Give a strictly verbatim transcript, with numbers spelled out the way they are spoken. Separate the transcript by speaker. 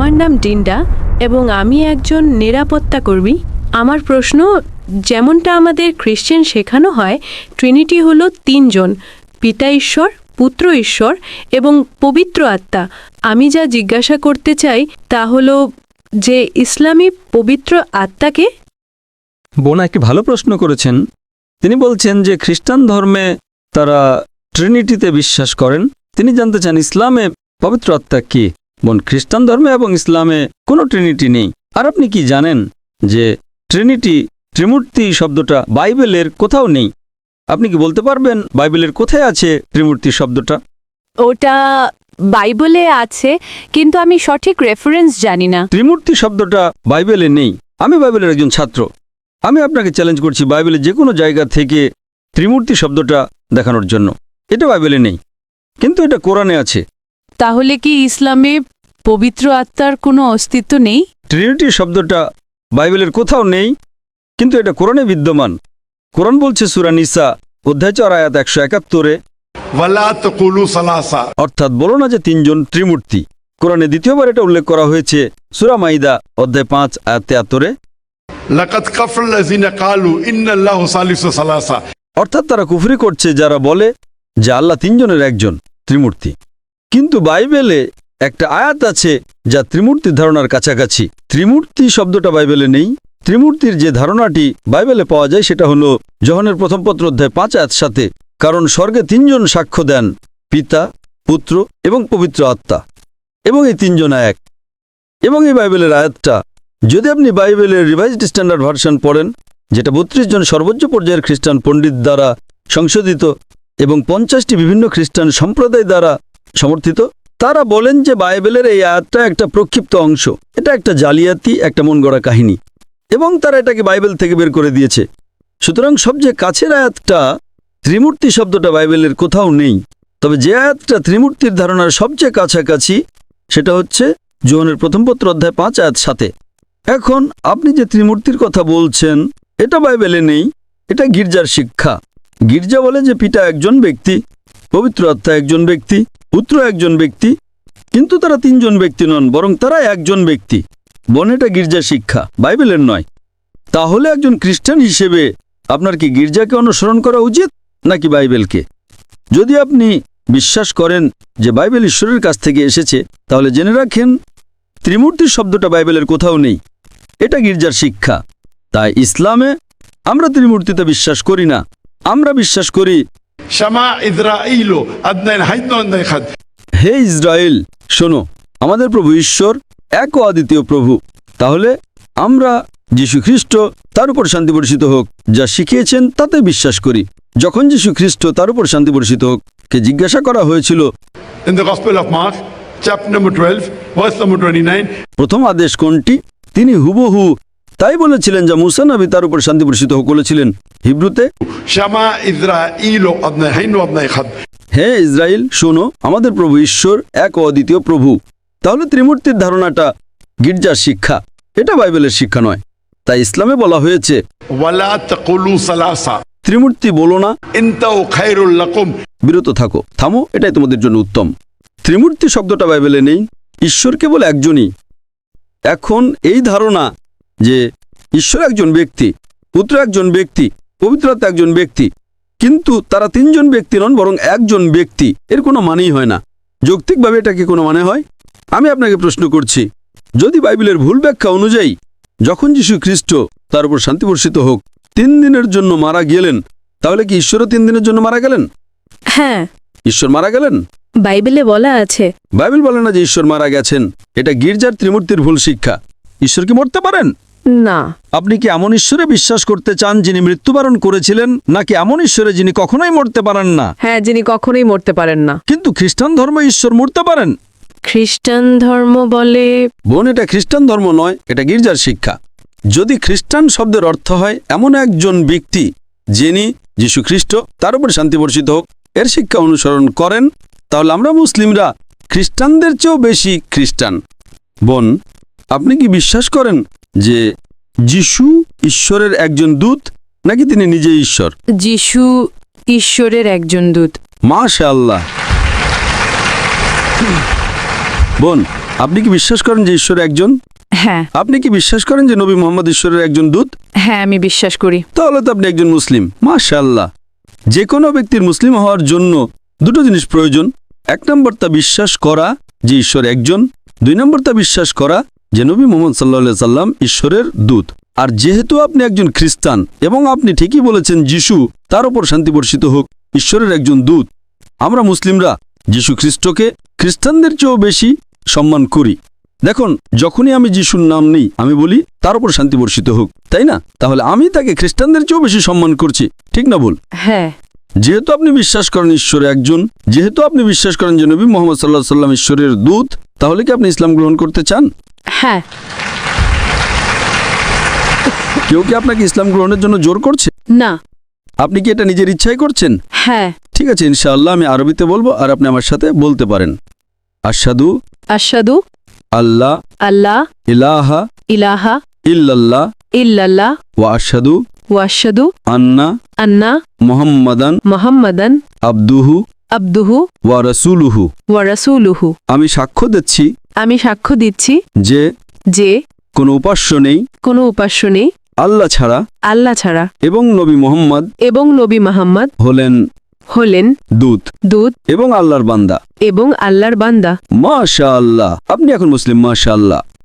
Speaker 1: আমার নাম ডিন্ডা এবং আমি একজন নিরাপত্তা কর্মী। আমার প্রশ্ন, যেমনটা আমাদের খ্রিশ্চান শেখানো হয়, ট্রিনিটি হলো তিনজন, পিতা ঈশ্বর, পুত্র ঈশ্বর এবং পবিত্র আত্মা। আমি যা জিজ্ঞাসা করতে চাই তা হলো যে ইসলামী পবিত্র আত্মাকে।
Speaker 2: বোন একটি ভালো প্রশ্ন করেছেন। তিনি বলছেন যে খ্রিস্টান ধর্মে তারা ট্রিনিটিতে বিশ্বাস করেন। তিনি জানতে চান ইসলামে পবিত্র আত্মা কি। বোন, খ্রিস্টান ধর্মে এবং ইসলামে কোনো ট্রিনিটি নেই। আর আপনি কি জানেন যে ট্রিনিটি, ত্রিমূর্তি শব্দটা বাইবেলের কোথাও নেই? আপনি কি বলতে পারবেন বাইবেলের কোথায় আছে ত্রিমূর্তি শব্দটা?
Speaker 3: ওটা বাইবেলে আছে, কিন্তু আমি সঠিক রেফারেন্স জানি না।
Speaker 2: ত্রিমূর্তি শব্দটা বাইবেলে নেই। আমি বাইবেলের একজন ছাত্র। আমি আপনাকে চ্যালেঞ্জ করছি বাইবেলের যে কোনো জায়গা থেকে ত্রিমূর্তি শব্দটা দেখানোর জন্য। এটা বাইবেলে নেই, কিন্তু এটা কোরআনে আছে।
Speaker 3: তাহলে কি ইসলামে পবিত্র আত্মার কোনো অস্তিত্ব নেই?
Speaker 2: ট্রিনিটি শব্দটা বাইবেলের কোথাও নেই, কিন্তু এটা কোরআনে বিদ্যমান। কোরআন বলছে সূরা নিসা অধ্যায় চার আয়াত একশো একাত্তরে, অর্থাৎ বলো না যে তিনজন ত্রিমূর্তি। কোরআনে দ্বিতীয়বার এটা উল্লেখ করা হয়েছে সূরা মাইদা অধ্যায় পাঁচ আয়াত তেয়াত্তরে। অর্থাৎ তারা কুফরি করছে যারা বলে যে আল্লাহ তিনজনের একজন, ত্রিমূর্তি। কিন্তু বাইবেলে একটা আয়াত আছে যা ত্রিমূর্তির ধারণার কাছাকাছি। ত্রিমূর্তি শব্দটা বাইবেলে নেই। ত্রিমূর্তির যে ধারণাটি বাইবেলে পাওয়া যায় সেটা হলো যোহানের প্রথম পত্র অধ্যায় পাঁচ আয়াত সাথে, কারণ স্বর্গে তিনজন সাক্ষ্য দেন, পিতা, পুত্র এবং পবিত্র আত্মা, এবং এই তিনজন এক। এবং এই বাইবেলের আয়াতটা যদি আপনি বাইবেলের রিভাইজড স্ট্যান্ডার্ড ভার্সন পড়েন, যেটা বত্রিশ জন সর্বোচ্চ পর্যায়ের খ্রিস্টান পণ্ডিত দ্বারা সংশোধিত এবং পঞ্চাশটি বিভিন্ন খ্রিস্টান সম্প্রদায় দ্বারা সমর্থিত, তারা বলেন যে বাইবেলের এই আয়াতটা একটা প্রক্ষিপ্ত অংশ। এটা একটা জালিয়াতি, একটা মন গড়া কাহিনী, এবং তারা এটাকে বাইবেল থেকে বের করে দিয়েছে। সুতরাং সবচেয়ে কাছের আয়াতটা, ত্রিমূর্তি শব্দটা বাইবেলের কোথাও নেই। তবে যে আয়াতটা ত্রিমূর্তির ধারণার সবচেয়ে কাছাকাছি সেটা হচ্ছে যোহানের প্রথম পত্র অধ্যায় পাঁচ আয়াত সাথে। এখন আপনি যে ত্রিমূর্তির কথা বলছেন এটা বাইবেলে নেই, এটা গির্জার শিক্ষা। গির্জা বলে যে পিতা একজন ব্যক্তি, পবিত্র আত্মা একজন ব্যক্তি, পুত্র একজন ব্যক্তি, কিন্তু তারা তিনজন ব্যক্তি নন, বরং তারা একজন ব্যক্তি। বোন, এটা গির্জার শিক্ষা, বাইবেলের নয়। তাহলে একজন খ্রিস্টান হিসেবে আপনার কি গির্জাকে অনুসরণ করা উচিত নাকি বাইবেলকে? যদি আপনি বিশ্বাস করেন যে বাইবেল ঈশ্বরের কাছ থেকে এসেছে, তাহলে জেনে রাখেন ত্রিমূর্তির শব্দটা বাইবেলের কোথাও নেই। এটা গির্জার শিক্ষা। তাই ইসলামে আমরা ত্রিমূর্তিতে বিশ্বাস করি না। আমরা বিশ্বাস করি, হে ইসরায়েল, শোনো, আমাদের প্রভু ঈশ্বর এক ও অদ্বিতীয় প্রভু। তাহলে আমরা যীশু খ্রিস্ট, তার উপর শান্তি বর্ষিত হোক, যা শিখিয়েছেন তাতে বিশ্বাস করি। যখন যীশু খ্রিস্ট, তার উপর শান্তি বর্ষিত হোক, কে জিজ্ঞাসা করা হয়েছিল
Speaker 4: In the Gospel of Mark, chapter number twelve, verse number twenty-nine,
Speaker 2: প্রথম আদেশ কোনটি, তিনি হুবহু তাই বলেছিলেন যা মুসা নবী, তার উপর শান্তি বর্ষিত হোক, বলেছিলেন হিব্রুতে,
Speaker 4: Shama Israelo Adnai Hainu Adnai Chad.
Speaker 2: হে ইসরায়েল, শোনো, আমাদের প্রভু ঈশ্বর এক ও অদ্বিতীয় প্রভু। তাহলে ত্রিমূর্তির ধারণাটা গির্জার শিক্ষা, এটা বাইবেলের শিক্ষা নয়। তাই ইসলামে বলা হয়েছে
Speaker 4: Wala taqulu salasa.
Speaker 2: ত্রিমূর্তি বলো না,
Speaker 4: Intau khairul lakum.
Speaker 2: বিরত থাকো, থামো, এটাই তোমাদের জন্য উত্তম। ত্রিমূর্তি শব্দটা বাইবেলে নেই, ঈশ্বর কেবল একজনই। এখন এই ধারণা যে ঈশ্বর একজন ব্যক্তি, পুত্র একজন ব্যক্তি, পবিত্র আত্মা একজন ব্যক্তি, কিন্তু তারা তিনজন ব্যক্তি নন, বরং একজন ব্যক্তি, এর কোনো মানেই হয় না। যৌক্তিকভাবে এটা কি কোনো মানে হয়? আমি আপনাকে প্রশ্ন করছি, যদি বাইবেলের ভুল ব্যাখ্যা অনুযায়ী যখন যীশু খ্রিস্ট, তার উপর শান্তি বর্ষিত হোক, তিন দিনের জন্য মারা গেলেন, তাহলে কি ঈশ্বরও তিন দিনের জন্য মারা গেলেন?
Speaker 1: হ্যাঁ,
Speaker 2: ঈশ্বর মারা গেলেন?
Speaker 1: বাইবেলে বলা আছে।
Speaker 2: বাইবেল বলে না যে ঈশ্বর মারা গেছেন। এটা গির্জার ত্রিমূর্তির ভুল শিক্ষা। ঈশ্বর কি মরতে পারেন?
Speaker 1: না।
Speaker 2: আপনি কি এমন ঈশ্বরে বিশ্বাস করতে চান যিনি মৃত্যুবরণ করেছিলেন, নাকি এমন ঈশ্বরে যিনি কখনোই মরতে পারেন না?
Speaker 5: হ্যাঁ, যিনি কখনোই মরতে পারেন না।
Speaker 2: কিন্তু খ্রিস্টান ধর্ম ঈশ্বর মরতে পারেন।
Speaker 1: খ্রিস্টান ধর্ম বলে,
Speaker 2: বোন, এটা খ্রিস্টান ধর্ম নয়, এটা গির্জার শিক্ষা। যদি খ্রিস্টান শব্দের অর্থ হয় এমন একজন ব্যক্তি যিনি যীশু খ্রিস্ট, তার উপর শান্তি বর্ষিত হোক, এর শিক্ষা অনুসরণ করেন, তাহলে আমরা মুসলিমরা খ্রিস্টানদের চেয়েও বেশি খ্রিস্টান। বোন, আপনি কি বিশ্বাস করেন যে যীশু ঈশ্বরের একজন দূত, নাকি তিনি নিজেই ঈশ্বর?
Speaker 1: যিশু ঈশ্বরের একজন দূত।
Speaker 2: মাশাআল্লাহ। বোন, আপনি কি বিশ্বাস করেন যে ঈশ্বর একজন?
Speaker 3: হ্যাঁ
Speaker 2: আপনি কি বিশ্বাস করেন যে নবী মোহাম্মদ ঈশ্বরের একজন দূত?
Speaker 3: হ্যাঁ আমি বিশ্বাস করি।
Speaker 2: তাহলে তো আপনি একজন মুসলিম। মাশাআল্লাহ। যে কোনো ব্যক্তির মুসলিম হওয়ার জন্য দুটো জিনিস প্রয়োজন। এক নম্বর তা বিশ্বাস করা যে ঈশ্বর একজন, দুই নম্বর তা বিশ্বাস করা যে নবী মুহাম্মদ সাল্লাল্লাহু সাল্লাম ঈশ্বরের দূত। আর যেহেতু আপনি একজন খ্রিস্টান এবং আপনি ঠিকই বলেছেন যিশু, তার উপর শান্তি বর্ষিত হোক, ঈশ্বরের একজন দূত, আমরা মুসলিমরা যিশু খ্রিস্টকে খ্রিস্টানদের চেয়েও বেশি সম্মান করি। দেখুন, যখনই আমি যিশুর নাম নিই আমি বলি তার উপর শান্তি বর্ষিত হোক, তাই না? তাহলে আমি তাকে খ্রিস্টানদের চেয়েও বেশি সম্মান করছি, ঠিক না ভুল?
Speaker 1: হ্যাঁ।
Speaker 2: যেহেতু আপনি বিশ্বাস করেন ঈশ্বর একজন, যেহেতু আপনি বিশ্বাস করেন যে নবী মোহাম্মদ সাল্লাল্লাহু আলাইহি সাল্লাম ঈশ্বরের দূত, তাহলে কি আপনি ইসলাম গ্রহণ করতে চান?
Speaker 1: হ্যাঁ।
Speaker 2: কেউ কি আপনাকে ইসলাম গ্রহণের জন্য জোর করছে?
Speaker 1: না।
Speaker 2: আপনি কি এটা নিজের ইচ্ছাই করছেন?
Speaker 1: হ্যাঁ।
Speaker 2: ঠিক আছে, ইনশাআল্লাহ আমি আরবিতে বলবো আর আপনি আমার সাথে বলতে পারেন। আশহাদু
Speaker 1: আশহাদু
Speaker 2: আল্লাহ
Speaker 1: আল্লাহ
Speaker 2: ইলাহা
Speaker 1: ইলাহা
Speaker 2: ইল্লাল্লাহ
Speaker 1: ইল্লাল্লাহ
Speaker 2: ওয়া আশহাদু
Speaker 1: ওয়া আশহাদু
Speaker 2: আন্না
Speaker 1: আন্না
Speaker 2: মুহাম্মাদান
Speaker 1: মুহাম্মাদান
Speaker 2: আবদুহু
Speaker 1: আবদুহু
Speaker 2: ওয়া রাসূলুহু।
Speaker 1: ওয়া রাসূলুহু।
Speaker 2: আমি সাক্ষ্য দিচ্ছি
Speaker 1: আমি সাক্ষ্য দিচ্ছি
Speaker 2: যে
Speaker 1: যে
Speaker 2: কোনো উপাস্য নেই
Speaker 1: কোনো উপাস্য নেই
Speaker 2: আল্লাহ ছাড়া
Speaker 1: আল্লাহ ছাড়া
Speaker 2: এবং নবী মুহাম্মদ
Speaker 1: এবং নবী মুহাম্মদ
Speaker 2: হলেন
Speaker 1: হলেন
Speaker 2: দূত
Speaker 1: দূত
Speaker 2: এবং আল্লাহর বান্দা।
Speaker 1: এবং আল্লাহর বান্দা।
Speaker 2: মাশাআল্লাহ, আপনি এখন মুসলিম। মাশাআল্লাহ।